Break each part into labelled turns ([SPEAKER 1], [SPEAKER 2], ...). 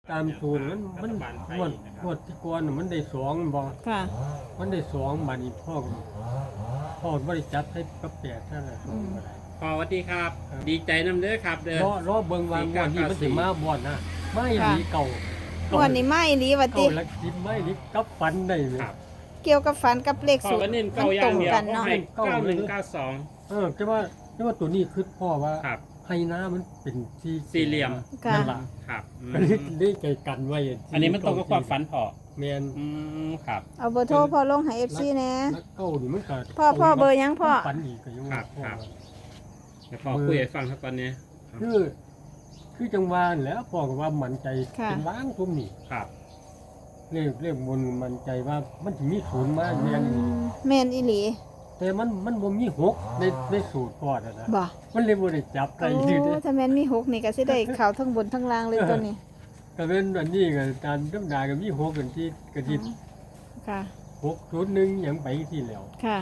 [SPEAKER 1] ตามสูตรมันงวดที่ก่อนมันได้สองบ่
[SPEAKER 2] ค่ะ
[SPEAKER 1] มันได้สองบัดนี้พ่อบ่ได้จับให้กับแปดนั่นแหละบ่ได้
[SPEAKER 3] พอสวัสดีครับ ดีใจน้ำเด้อครับเด้อ
[SPEAKER 1] รอเบิ่งว่างวดนี้มันสิมาบ่นะไม่หลีเก่า
[SPEAKER 2] วันนี้ไม่ลีวั
[SPEAKER 1] เก่า
[SPEAKER 2] ติ
[SPEAKER 1] หลักสิบไม่หลีกับฟันได้เลย
[SPEAKER 3] ครับ
[SPEAKER 2] เกี่ยวกับฝันกับเลข
[SPEAKER 3] พอ
[SPEAKER 2] สูตร
[SPEAKER 3] ก็เน้น
[SPEAKER 2] มั
[SPEAKER 3] เก้าอย่า
[SPEAKER 2] ตรง ง
[SPEAKER 3] เดียว
[SPEAKER 2] กัน
[SPEAKER 3] ก็
[SPEAKER 2] เนาะ
[SPEAKER 3] ให้9192
[SPEAKER 1] แต่ว่าตัวนี้คือพ่อว่า
[SPEAKER 3] ครับ
[SPEAKER 1] ให้น้ามันเป็นที่
[SPEAKER 3] สี่เหลี่ยม
[SPEAKER 2] ค่ะ
[SPEAKER 1] นั่นล่ะ
[SPEAKER 3] ครับอืม
[SPEAKER 1] ก็เลยใจกันไว้
[SPEAKER 3] อันนี้มันตรงกับความฝันพอ
[SPEAKER 1] แม่น
[SPEAKER 3] ครับ
[SPEAKER 2] เอาเบอร์โทรพ่อลงให้ FC แหน่
[SPEAKER 1] นักเก้านี่มันก็
[SPEAKER 2] พ่อเบอร์ยังพ่อ
[SPEAKER 1] ฝันอีกก็ยัง
[SPEAKER 3] ครับ
[SPEAKER 1] พ่อ
[SPEAKER 3] ครับ เดี๋ยวพอคุยให้ฟังครับตอนนี้
[SPEAKER 1] คือจังหวะนั่นแหล้วพ่อก็ว่ามั่นใจ
[SPEAKER 2] ค่ะ
[SPEAKER 1] เป็นล้างทุ่มนี่
[SPEAKER 3] ครับ
[SPEAKER 1] เรียกบนมั่นใจว่ามันจะมีศูนย์มาแม่นอีหลี
[SPEAKER 2] แม่นอีหลี
[SPEAKER 1] แต่มันบ่มีหกในสูตรพ่อน่ะนะ
[SPEAKER 2] บ่
[SPEAKER 1] มันเลยบ่ได้จับ
[SPEAKER 2] โอ้
[SPEAKER 1] ได้ยืดเด้
[SPEAKER 2] ถ้าแม่นมี6นี่ก็สิได้เข้าทั้งบนทั้งล่างเลยตัวนี้
[SPEAKER 1] ก็เป็นอันนี้ก็ตามธรรมดาก็มีหกกันที่ก็ที่
[SPEAKER 2] ค่ะ
[SPEAKER 1] 601หยังไปที่แล้ว
[SPEAKER 2] ค่ะ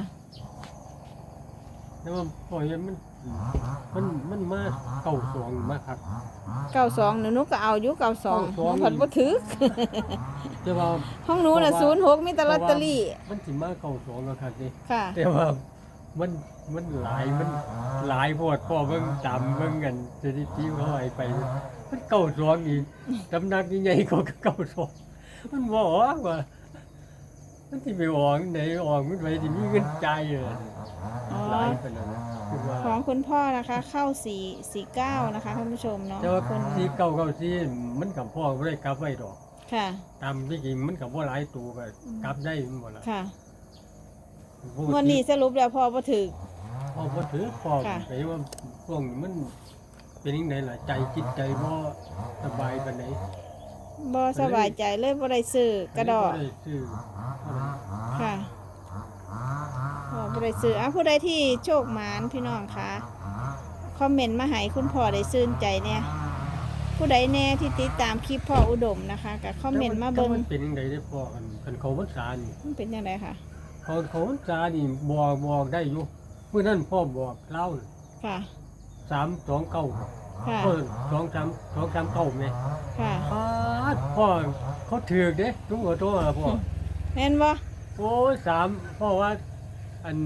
[SPEAKER 1] แต่ว่าพ่อเห็นมันมาเก้าสองมาครับ
[SPEAKER 2] 92หนูก็เอาอยู่92หนูเพิ่นบ่ถือ
[SPEAKER 1] แต่ว่า
[SPEAKER 2] ห้องหนูน่ะ06มีแต่ลอตเตอรี่
[SPEAKER 1] มันสิมาเก้าสองแล้วครับนี่
[SPEAKER 2] ค่ะ
[SPEAKER 1] แต่ว่ามันหลายโพดพ่อเบิ่งตามเบิ่งกันสถิติเขาให้ไป มันเก้าสองอีกตำหนักใหญ่ๆก็เก้าสองมันบ่ออกว่ามันสิไปออกไหนออกมันไปสิมีเงินจ่ายเลย
[SPEAKER 2] อ๋อ
[SPEAKER 1] หลายปานนั้นคือว่า
[SPEAKER 2] ของคุณพ่อนะคะเข้า449นะคะท่านผู้ชมเนาะ
[SPEAKER 1] แต่ว่า
[SPEAKER 2] คุณ
[SPEAKER 1] ที่เก้าที่มันกับพ่อบ่ได้กลับไว้ดอก
[SPEAKER 2] ค่ะ
[SPEAKER 1] ตามที่จริงมันก็บ่หลายตัวก็กลับได้มันบ่ล่ะ
[SPEAKER 2] ค่ะวันนี้สรุปแล้วพ่อบ่ถือ
[SPEAKER 1] พ่อบ่ถือพ่อ
[SPEAKER 2] ค่ะ
[SPEAKER 1] ไปว่าพวกนี้มันเป็นจังไดล่ะใจจิตใจบ่สบายปานใด
[SPEAKER 2] บ่สบายใจเลยบ่ได้ซื้อกระดอก
[SPEAKER 1] บ่ได้ซื้ออะไร
[SPEAKER 2] ค่ะบ่ได้ซื้อผู้ใดที่โชคหมานพี่น้องคะคอมเมนต์มาให้คุณพ่อได้ซื่นใจเนี่ยผู้ใดแน่ที่ติดตามคลิปพ่ออุดมนะคะก็คอมเมนต์มาเบิ่ง
[SPEAKER 1] มันเป็นจังไดได้พ่อกันเขาพรรษานี่
[SPEAKER 2] มันเป็นจังไดค่ะ
[SPEAKER 1] เขาพรรษานี่บอกได้อยู่มื้อนั้นพ่อบอกเล่าน่ะ
[SPEAKER 2] ค่ะ
[SPEAKER 1] 329
[SPEAKER 2] ค่ะ
[SPEAKER 1] 239แม่
[SPEAKER 2] ค่ะ
[SPEAKER 1] พ่อเขาถือกเด้ทุกหัวโตอ่ะพ่อ
[SPEAKER 2] แม่นบ่
[SPEAKER 1] โอ้ยพ่อว่าอัน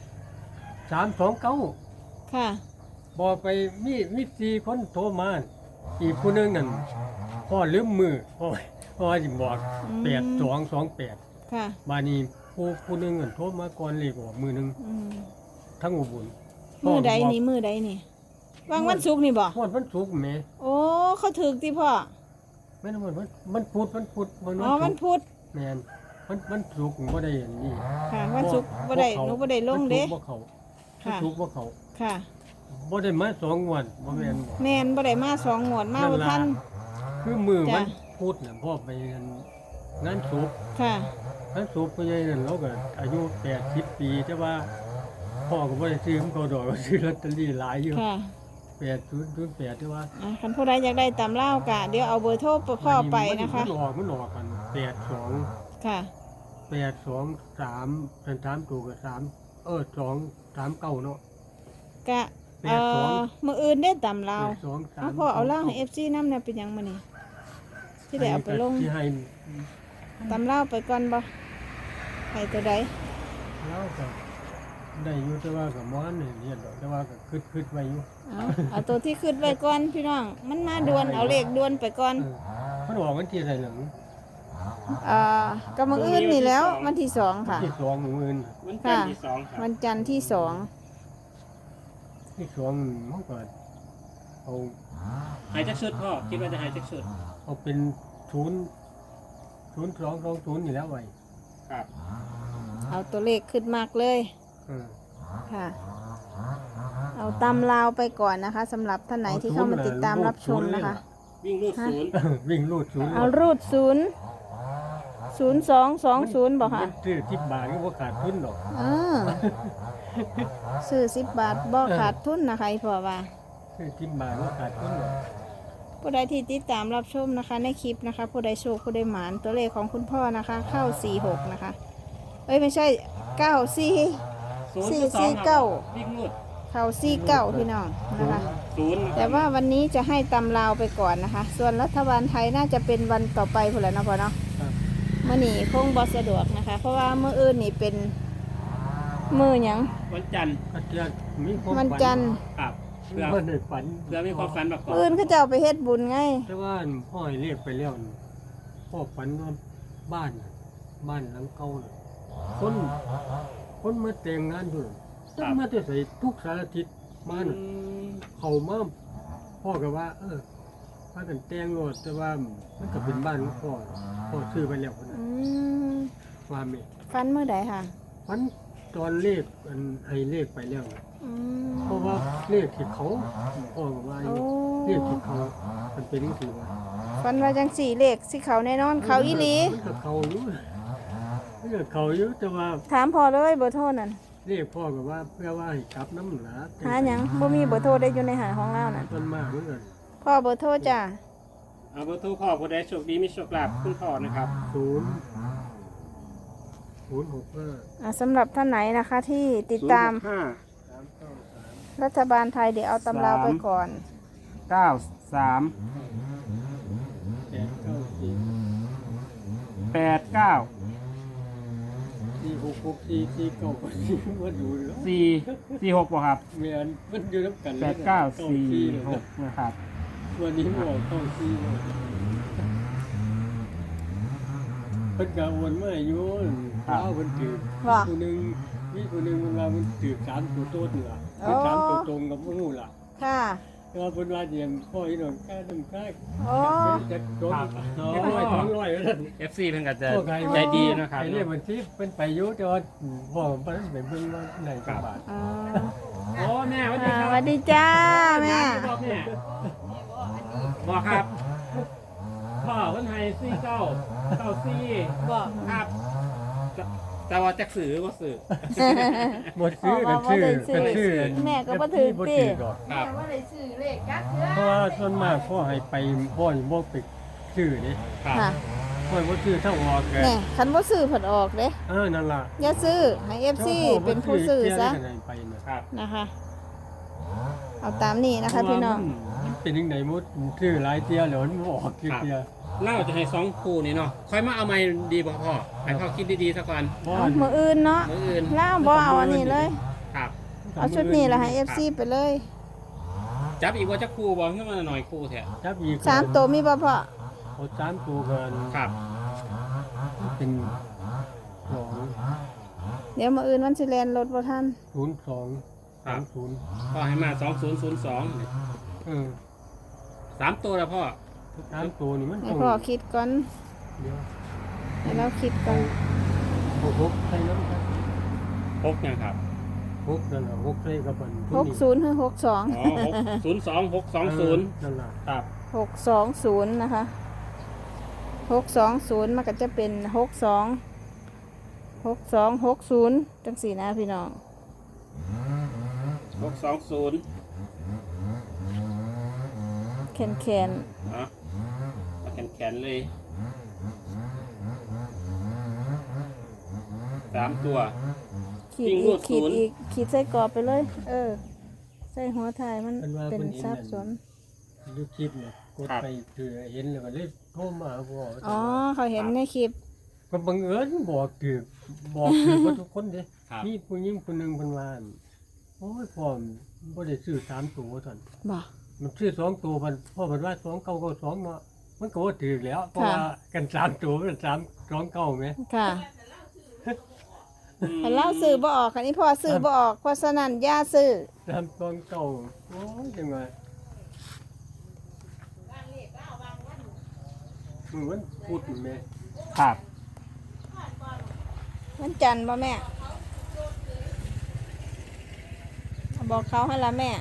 [SPEAKER 1] 329
[SPEAKER 2] ค่ะ
[SPEAKER 1] บอกไปมี4คนโทรมาอีกผู้หนึงนั่นพ่อลืมมือพ่อสิบอก8228
[SPEAKER 2] ค่ะ
[SPEAKER 1] บานี้ผู้หนึงนั่นโทรมาก่อนเลขออกมือหนึง
[SPEAKER 2] อืม
[SPEAKER 1] ทั้งอุบล
[SPEAKER 2] มือใดนี่มือใดนี่วางวันศุกร์นี่บ่
[SPEAKER 1] ฮอดวันศุกร์แม่
[SPEAKER 2] โอ้เขาถึกติพ่อ
[SPEAKER 1] แม่นมันพุธ
[SPEAKER 2] อ๋อวันพุธ
[SPEAKER 1] แม่นมันศุกร์บ่ได้อันนี้
[SPEAKER 2] ค่ะวันศุกร์บ่ได้หนูบ่ได้ลงเด้
[SPEAKER 1] วันศุกร์บ่เข้า
[SPEAKER 2] ค่ะ
[SPEAKER 1] วันศุกร์บ่เข้า
[SPEAKER 2] ค่ะ
[SPEAKER 1] บ่ได้มา2งวดบ่แม่นบ่
[SPEAKER 2] แม่นบ่ได้มา2งวดมาบ่ทัน
[SPEAKER 1] คือมือ
[SPEAKER 2] จ้ะ
[SPEAKER 1] วันพุธน่ะพ่อไปงานศพ
[SPEAKER 2] ค่ะ
[SPEAKER 1] งานศพพ่อใหญ่นั่นเราก็อายุ80ปีแต่ว่าพ่อก็บ่ได้ซื้อมันก็ดอกก็ซื้อลอตเตอรี่หลายอยู่
[SPEAKER 2] ค่ะ
[SPEAKER 1] 8008แต่ว่า
[SPEAKER 2] คันผู้ใดอยากได้ตามเล่ากะเดี๋ยวเอาเบอร์โทรพ่อไปนะคะ
[SPEAKER 1] มันออกกัน82
[SPEAKER 2] ค่ะ
[SPEAKER 1] 823เป็น3ตัวก็3 239เนาะ
[SPEAKER 2] กะ มื้ออื่นได้ตามเล่าเอาพ่อเอาเล่าให้ FC นำเนี่ยเป็นหยังมื้อนี้ที่ได้เอาไปลง
[SPEAKER 1] ที่ให้
[SPEAKER 2] ตามเล่าไปก่อนบ่ให้ตัวใด
[SPEAKER 1] แล้วก็ได้อยู่แต่ว่าก็บ่ทันได้เรียนดอกแต่ว่าก็คิดไว้อยู่
[SPEAKER 2] เอาตัวที่ขึ้นไว้ก่อนพี่น้อง มันมาด่วนเอาเลขด่วนไปก่อน
[SPEAKER 1] มันออกวันที่ไหนหลัง
[SPEAKER 2] ก็มื้ออื่นนี่แล้ววันที่2ค่ะ
[SPEAKER 1] ที่สองมื้ออื่น
[SPEAKER 3] วันจันทร์ที่สองครับ
[SPEAKER 2] วันจันทร์ที่2
[SPEAKER 1] ที่สองมันก็เอา
[SPEAKER 3] หายจากชุดพ่อ คิดว่าจะหายจากชุด
[SPEAKER 1] เอาเป็น0220นี่แล้วไว้
[SPEAKER 3] ครับ
[SPEAKER 2] เอาตัวเลขขึ้นมากเลย
[SPEAKER 1] เออ
[SPEAKER 2] ค่ะ เอาตำลาวไปก่อนนะคะสำหรับท่านไหนที่เข้ามาติดตามรับชมนะคะ
[SPEAKER 3] วิ่งรูดศูนย์
[SPEAKER 1] วิ่งรูดศูนย์
[SPEAKER 2] เอารูด0220บอกค่ะ
[SPEAKER 1] มันซื้อ10บาทก็บ่ขาดทุนดอก
[SPEAKER 2] ซื้อ10 บาทบ่ขาดทุนนะคะอีพ่อว่า
[SPEAKER 1] ซื้อ10บาทก็ขาดทุนดอก
[SPEAKER 2] ผู้ใดที่ติดตามรับชมนะคะในคลิปนะคะ ผู้ใดโชคผู้ใดหมานตัวเลขของคุณพ่อนะคะ เข้า46นะคะเอ้ยไม่ใช่94
[SPEAKER 3] ศูนย์กับสองครับวิ่งรูด
[SPEAKER 2] เข้า49พี่น้องนะคะ
[SPEAKER 1] 0
[SPEAKER 3] 60
[SPEAKER 2] แต่ว่าวันนี้จะให้ตำลาวไปก่อนนะคะ ส่วนรัฐบาลไทยน่าจะเป็นวันต่อไปพุ่นแหล้วเนาะพ่อเนาะ
[SPEAKER 1] ครับ
[SPEAKER 2] มื้อนี้คงบ่สะดวกนะคะ เพราะว่ามื้ออื่นนี่เป็นมื้อหยัง
[SPEAKER 3] วันจันทร์
[SPEAKER 1] ก็จะมีความ
[SPEAKER 2] วันจันทร์
[SPEAKER 3] ครับเพื่อ
[SPEAKER 1] เพื่อในฝัน
[SPEAKER 3] มีความฝันประกอบ
[SPEAKER 2] มื้ออื่นเขาจะเอาไปเฮ็ดบุญไง
[SPEAKER 1] แต่ว่าพ่อให้เรียกไปแล้วนี่พ่อฝันว่าบ้านน่ะบ้านหลังเก่าน่ะคนมาแต่งงานอยู่ต้องมาแต่ใส่ทุกสารทิศมาน่ะเขามาพ่อก็ว่า พากันแต่งโลดแต่ว่ามันก็เป็นบ้านของพ่อซื้อไปแล้วพุ่น
[SPEAKER 2] อื
[SPEAKER 1] น่ะ
[SPEAKER 2] ม
[SPEAKER 1] ว่าแม่
[SPEAKER 2] ฟันมื้อใดค่ะ
[SPEAKER 1] ฝันตอนเลขอันให้เลขไปแล้วน่ะ
[SPEAKER 2] อืม
[SPEAKER 1] เพราะว่าเลขที่เขาพ่อก็ว่าอ
[SPEAKER 2] โอ้
[SPEAKER 1] ยู่เลขที่เขามันเป็นจังซี่ว่า
[SPEAKER 2] ฟันว่าจังสี่เลขสิเขาแน่นอนเขาอีหลี
[SPEAKER 1] มันก็เขาอยู่มันก็เขาอยู่แต่ว่า
[SPEAKER 2] ถามพ่อเลยเบอร์โทรนั่น
[SPEAKER 1] เรียกพ่อก็ว่าเพื่อว่าให้กลับน้ำหนา
[SPEAKER 2] หาหยังบ่มีเบอร์โทรได้อยู่ในหาของเรานั่น
[SPEAKER 1] ต้นมากเหมือนกัน
[SPEAKER 2] พ่อเบอร์โทรจ้ะ
[SPEAKER 3] เอาเบอร์โทรพ่อผู้ใดโชคดีมีโชคลาภคุณพ่อนะครับ
[SPEAKER 1] 0 0 6 5
[SPEAKER 2] สำหรับท่านไหนนะคะที่ติดตาม
[SPEAKER 3] 5
[SPEAKER 2] รัฐบาลไทยเดี๋ยวเอาตำราไปก่อน
[SPEAKER 3] 93
[SPEAKER 1] 8 9 4
[SPEAKER 3] 89
[SPEAKER 1] 4 6 6 4 4 9 มาดูแล้ว
[SPEAKER 3] 446บ่ครับ
[SPEAKER 1] เมียนมันอยู่น้ำกัน
[SPEAKER 3] 8946นะครับ
[SPEAKER 1] วันนี้หมอกเข้าซีเลยเพิ่นกะโอนมาอยู่เอาเพิ่นถือ
[SPEAKER 2] ว่า
[SPEAKER 1] คนหนึ่งมีคนหนึ่งมันว่ามันถือ3 ตัวโต๊ดเหนือ
[SPEAKER 2] อ๋อ
[SPEAKER 1] 3 ตัวตรงกับพวกนู้นล่ะ
[SPEAKER 2] ค่ะ
[SPEAKER 1] แต่ว่าเพิ่นว่าเดียนพ่ออีหน่อยค่าน้ำค่า
[SPEAKER 2] โอ้
[SPEAKER 1] จะโดน200แล้วนั่น
[SPEAKER 3] FC เพิ่นก็จะ
[SPEAKER 1] พวกใคร
[SPEAKER 3] ใจดีนะครับ
[SPEAKER 1] ไอ้เรียกมันที่เป็นไปอยู่แต่ว่าพ่อผมไปไปเบิ่งว่าไหนจังบาท
[SPEAKER 2] อ๋อ
[SPEAKER 3] โอ้แม่สวัสดี
[SPEAKER 2] อ่า
[SPEAKER 3] ครับ
[SPEAKER 2] สวัสดีจ้าแม่
[SPEAKER 3] บอกแม่บอกครับ พ่อเพิ่นให้4994
[SPEAKER 2] บอก
[SPEAKER 3] ครับแต่ว่าจักสื่อบ่สื่อ
[SPEAKER 1] หมดซื้อกันชื่อกันชื่อ
[SPEAKER 2] แม่ก็บ่ถือ
[SPEAKER 1] บ่
[SPEAKER 2] ติ
[SPEAKER 1] ถือดอก
[SPEAKER 3] ครับ
[SPEAKER 2] ว่าได้ซื้อเลขกักเถ
[SPEAKER 1] เพราะว่าส่วนมากพ่อให้ไปพ่อบ่ไปซื้อนี่
[SPEAKER 3] ครับ
[SPEAKER 2] ค่ะ
[SPEAKER 1] พ่อบ่ซื้อเท่าออกแก
[SPEAKER 2] แน่คันบ่ซื้อผลออกเด้
[SPEAKER 1] นั่นล่ะ
[SPEAKER 2] อย่าซื้อให้ FC เป็นผู้ซื้อซะ
[SPEAKER 1] ไปน่ะ
[SPEAKER 3] ครับ
[SPEAKER 2] นะคะ เอาตามนี้นะคะพี่น้อง
[SPEAKER 1] มันเป็นจังได๋หมดซื้อหลายเที่ยแล้วมันบ่ออกเที่ย
[SPEAKER 3] เล่าจะให้2คู่นี่เนาะค่อยมาเอาใหม่ดีบ่พ่อให้พ่อคิดดีๆซะก่อน
[SPEAKER 1] บ่
[SPEAKER 2] เอามืออื่นเนาะ
[SPEAKER 3] มื้ออื่น
[SPEAKER 2] แล้วบ่เอาอันนี้เลย
[SPEAKER 3] ครับ
[SPEAKER 2] เอาชุดนี้ละให้ FC ไปเลย
[SPEAKER 3] จับอีกว่าจักคู่บ่ขึ้นมาหน่อยคู่แท้
[SPEAKER 1] จับอีก
[SPEAKER 2] 3ตัวมีบ่พ่อ
[SPEAKER 1] เอา3ตัวกัน
[SPEAKER 3] ครับ
[SPEAKER 1] เป็น
[SPEAKER 2] เดี๋ยวมืออื่นมันสิแลนรถบ่ทัน
[SPEAKER 1] 2 02
[SPEAKER 3] ครับ
[SPEAKER 1] 30
[SPEAKER 3] พ่อให้มา2002
[SPEAKER 1] เออ
[SPEAKER 3] 3ตัวแล้วพ่อ
[SPEAKER 1] 3ตัวนี่มัน
[SPEAKER 2] ให้
[SPEAKER 1] ต้อง
[SPEAKER 2] พ่อคิดก่อน
[SPEAKER 1] เดี๋ยว
[SPEAKER 2] ให้เราคิดก่อน
[SPEAKER 1] 6ใส่น้ำครับ
[SPEAKER 3] 6ยังครับ
[SPEAKER 1] 6นั่นล่ะ6ใส่กับมัน
[SPEAKER 2] 60หรือ
[SPEAKER 3] อ๋อ
[SPEAKER 2] 62
[SPEAKER 3] 602
[SPEAKER 1] นั่นล่ะ
[SPEAKER 3] ครับ
[SPEAKER 2] 620นะคะ620มันก็จะเป็น6260จังสี่นะพี่น้อง
[SPEAKER 3] 620
[SPEAKER 2] แคนแคน
[SPEAKER 3] อ่ะมาแขนๆเลย3ตัว
[SPEAKER 2] ขีด
[SPEAKER 3] วิ่ง
[SPEAKER 2] อี
[SPEAKER 3] รู
[SPEAKER 2] ก
[SPEAKER 3] ด
[SPEAKER 2] ขีด
[SPEAKER 3] ศูนย์
[SPEAKER 2] อีกขีดใส่กรอบไปเลย ใส่หัวถ่ายมันเป็นซับซ้อน
[SPEAKER 1] ดูคลิปเนี่ยกดไปคือเห็นแล้วก็เลยโทรมาบอก
[SPEAKER 2] อ๋อเขาเห็นในคลิป
[SPEAKER 1] ก็บังเอิญบอกคือว่าทุกคนเด้
[SPEAKER 3] ครับ
[SPEAKER 1] มีผู้หญิงคนหนึงเพิ่นว่าโอ้ยพ่อบ่ได้ซื้อ3ตัวท่าน
[SPEAKER 2] บ่
[SPEAKER 1] มันซื้อ2ตัวมันพ่อเพิ่นว่า2992เนาะมันก็บ่ถูกแล้วเพราะว่ากัน3ตัวมัน329แม่
[SPEAKER 2] ค่ะคันเล่าซื้อบ่ออกคันนี้พ่อซื้อบ่ออกเพราะฉะนั้นอย่าซื้อ
[SPEAKER 1] 329โอ้ยจังว่ามันพูดแม่
[SPEAKER 3] ครับ
[SPEAKER 2] มันจันทร์บ่แม่บอกเขาให้ละแม่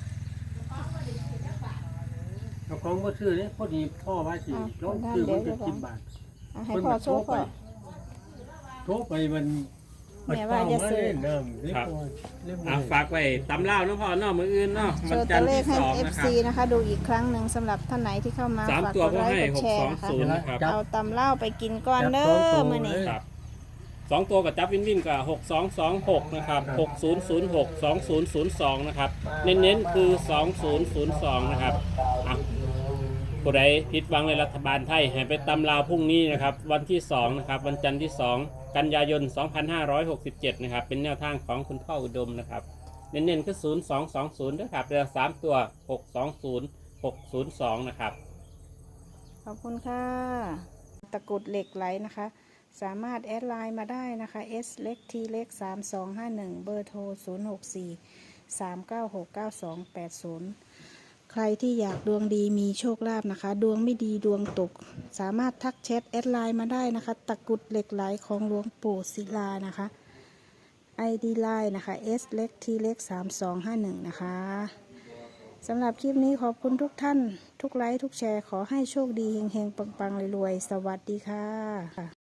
[SPEAKER 1] เจ้าของบ่ซื้อเด้พอดีพ่อว่าสิลองซื้อมันก็10 บาท
[SPEAKER 2] เอาให้พ่อโชว์พ่อ
[SPEAKER 1] โทรไปมัน
[SPEAKER 2] แม่ว่าจะซื้อ
[SPEAKER 1] น้ำเรียบร้อยเรียบร้
[SPEAKER 3] อ่ะ
[SPEAKER 1] อย
[SPEAKER 3] ฝากไว้ตำเล่าเนาะพ่อเนาะมื้ออื่นเนาะ
[SPEAKER 2] โช
[SPEAKER 3] วัน
[SPEAKER 2] ว์
[SPEAKER 3] จั
[SPEAKER 2] ตั
[SPEAKER 3] น
[SPEAKER 2] ว
[SPEAKER 3] ทร์
[SPEAKER 2] เลข
[SPEAKER 3] ที่
[SPEAKER 2] ให้
[SPEAKER 3] 2นะค
[SPEAKER 2] FC
[SPEAKER 3] รับ
[SPEAKER 2] นะคะ ดูอีกครั้งหนึ่งสำหรับท่านไหนที่เข้ามา
[SPEAKER 3] สาม
[SPEAKER 2] ฝาก
[SPEAKER 3] ตัว
[SPEAKER 2] กดไลค์
[SPEAKER 3] พ่อให้
[SPEAKER 2] กดแชร์นะคะ
[SPEAKER 3] 620 นะครับ
[SPEAKER 2] เอาตำเล่าไปกินก่อนเด้อมื้อนี้
[SPEAKER 3] ครับ
[SPEAKER 4] 2 ตัวกับจับวินวินกับ6226นะครับ6006 2002นะครับเน้นๆคือ2002นะครับอ่ะผู้ใดผิดหวังในรัฐบาลไทยให้ไปตำลาวพรุ่งนี้นะครับวันที่2นะครับวันจันทร์ที่2กันยายน2567นะครับเป็นแนวทางของคุณพ่ออุดมนะครับเน้นๆคือ0220ด้วยครับเรือ3ตัว620 602นะครับ
[SPEAKER 2] ขอบคุณค่ะ ตะกรุดเหล็กไหลนะคะ สามารถแอดไลน์มาได้นะคะ S เล็ก T เล็ก3251 เบอร์โทร 064 396 9280 ใครที่อยากดวงดีมีโชคลาภนะคะ ดวงไม่ดีดวงตก สามารถทักแชทแอดไลน์มาได้นะคะ ตะกรุดเหล็กไหลของหลวงปู่ศิลานะคะ ID ไลน์นะคะ S เล็ก T เล็ก3251นะคะสำหรับคลิปนี้ขอบคุณทุกท่าน ทุกไลค์ทุกแชร์ขอให้โชคดีเฮงๆปังๆรวยๆสวัสดีค่ะ